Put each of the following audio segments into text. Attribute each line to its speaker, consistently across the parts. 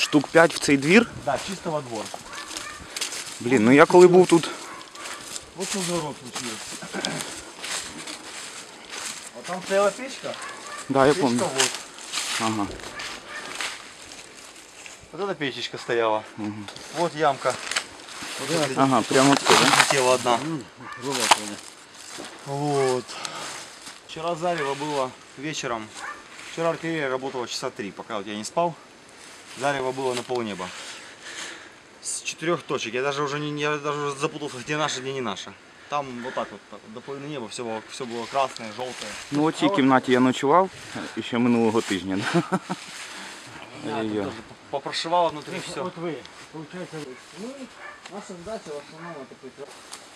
Speaker 1: штук 5 в цей двір?
Speaker 2: Да, чисто во двор.
Speaker 1: Блін, ну я коли був тут...
Speaker 2: Вот что за урок случился. Вот там стояла печка.
Speaker 1: Да, я
Speaker 2: Печка
Speaker 1: помню.
Speaker 2: вот.
Speaker 1: Ага.
Speaker 2: Вот эта печечка стояла. Угу. Вот ямка. Вот
Speaker 1: Ага, прямо отсюда.
Speaker 2: летела одна. Вот. Вчера зарево было вечером. Вчера артиллерия работала часа 3, пока вот я не спал. Зарево было на полнеба. С 4 точек. Я даже уже запутался, где наша, где не наша. Там вот так вот до половины неба все было красное, желтое.
Speaker 1: Ну у цій кімнаті я ночував ще минулого тижня.
Speaker 2: Попрошивало внутри все.
Speaker 3: Вот вы, получается, наша задача в основном это прикрывать.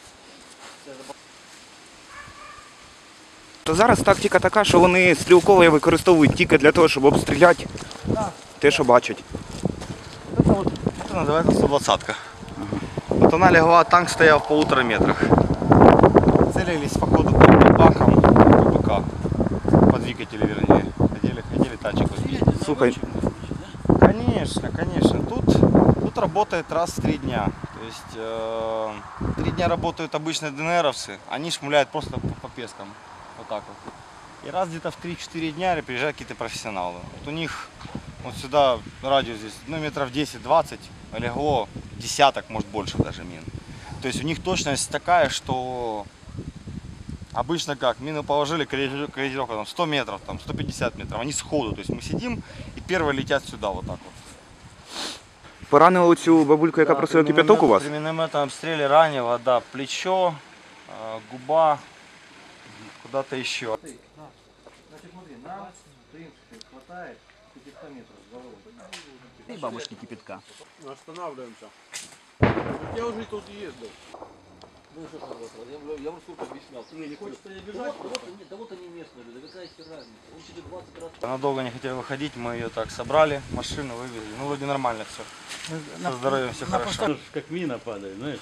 Speaker 1: То зараз тактика така, що вони стрілкове використовують тільки для того, щоб обстріляти те, що бачать.
Speaker 2: Это называется 120-ка. Вот она легла, танк стоял в 1,5 метрах. Целились походу по бакам БК. По двигателю вернее. Хотели танчик возить.
Speaker 1: Слухай,
Speaker 2: Конечно. Тут работает раз в 3 дня. То есть 3 дня работают обычные ДНРовцы, они шмуляют просто по пескам. Вот так вот. И раз где-то в 3-4 дня приезжают какие-то профессионалы. Вот у них вот сюда радиус здесь, ну, метров 10-20 легло десяток, может больше даже мин. То есть у них точность такая, что обычно как, мины положили, корректировка там 100 метров, там 150 метров, они сходу, то есть мы сидим и первые летят сюда вот так вот.
Speaker 1: поранили оцю бабульку, яка просила кипяток у вас?
Speaker 2: При минометном обстреле ранило, да, плечо, губа, куда-то еще.
Speaker 3: Значит, смотри, нам, в принципе, хватает 500 метров с головой.
Speaker 4: И бабушки кипятка.
Speaker 5: Останавливаемся. Я уже тут ездил.
Speaker 3: Ну что ж, я в сколько объяснял. Не хочется я бежать. Да вот они местные люди, какая себе разница. Он через 20 раз.
Speaker 2: Она долго не хотела выходить, мы ее так собрали, машину вывезли. Ну вроде нормально все. Со здоровьем все хорошо.
Speaker 4: Как мина падает, знаешь.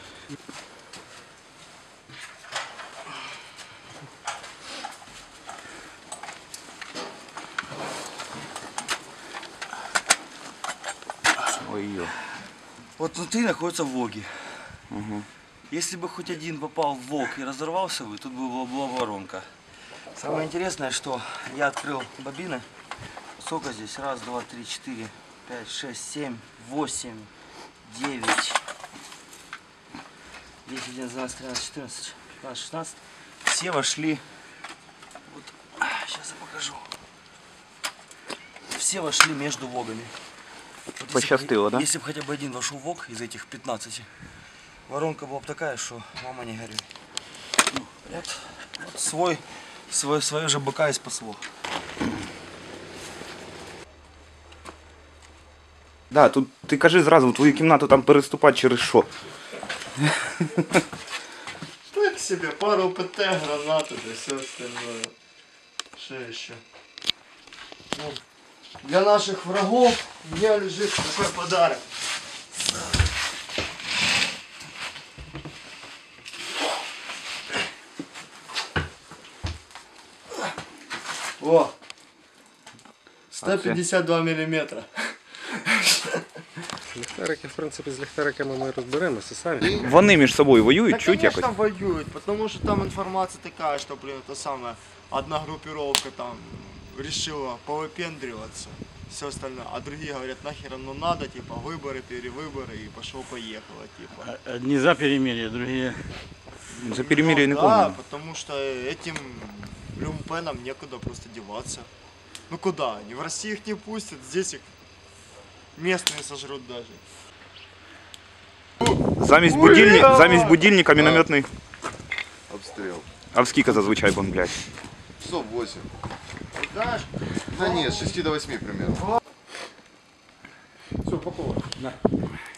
Speaker 1: Ой-ой.
Speaker 2: Вот внутри находятся воги.
Speaker 1: Угу.
Speaker 2: Если бы хоть один попал в вог и разорвался бы, тут была воронка. Самое интересное, что я открыл бобины. Сколько здесь? Раз, два, три, четыре, 5, 6, 7, 8, 9, 10, 11, 12, 13, 14, 15, 16. Все вошли. Вот, сейчас я покажу. Все вошли между вогами. Вот
Speaker 1: Пощастило, да?
Speaker 2: Если бы хотя бы один вошел в вог из этих 15, воронка была бы такая, что мама не горюй. Вот свое же быка и спасло.
Speaker 1: Да, тут ти кажи зразу, в твою кімнату там переступати через що?
Speaker 5: Так себе, пару ПТ, гранаты, да все остальное. Что еще? Ну, для наших врагов у меня лежит такой подарок. О! 152 миллиметра.
Speaker 6: Ліхтарики, в принципі, з ліхтариками ми розберемося самі.
Speaker 1: Вони між собою воюють,
Speaker 5: Да,
Speaker 1: чуть якось?
Speaker 5: конечно, воюют, потому что там информация такая, что, блин, это самое, одна группировка там решила повыпендриваться, все остальное, а другие говорят, нахер оно надо, типа, выборы, перевыборы, и пошло-поехало, типа.
Speaker 4: Одни за перемирие, другие...
Speaker 1: За перемирие не
Speaker 5: Да,
Speaker 1: помню.
Speaker 5: потому что этим люмпенам некуда просто деваться. Ну куда они? В России их не пустят, здесь их местные сожрут даже.
Speaker 1: Замість будильника мінометний.
Speaker 7: Обстрел.
Speaker 1: А в скільки зазвичай бомблять?
Speaker 7: Часов 8.
Speaker 5: Знаешь,
Speaker 7: Да нет, с 6 до 8 примерно.
Speaker 6: Все, упаковано.